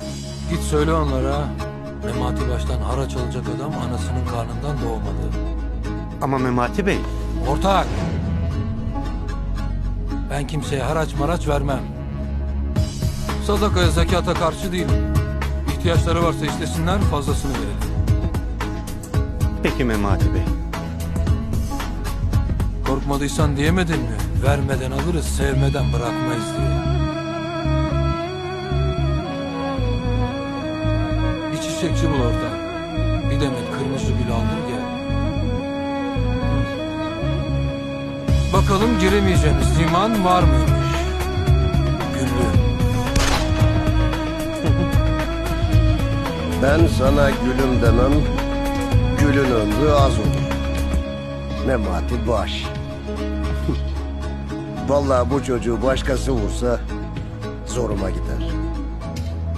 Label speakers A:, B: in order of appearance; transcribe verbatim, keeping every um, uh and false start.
A: Git söyle onlara. Memati baştan haraç alacak adam anasının karnından doğmadı.
B: Ama Memati Bey...
A: Ortak! Ben kimseye haraç maraç vermem. Sadakaya, zekata karşı değilim. İhtiyaçları varsa istesinler, fazlasını verelim.
B: Peki Memati Bey.
A: Korkmadıysan diyemedin mi? Vermeden alırız, sevmeden bırakmayız diye. Bir çiçekçi bul orada. Bir demet kırmızı gül aldır gel. Bakalım giremeyeceğimiz liman var mıymış? Güllü.
C: Ben sana gülüm demem, gülün ömrü az olur. Memati baş. Vallahi bu çocuğu başkası vursa zoruma gider.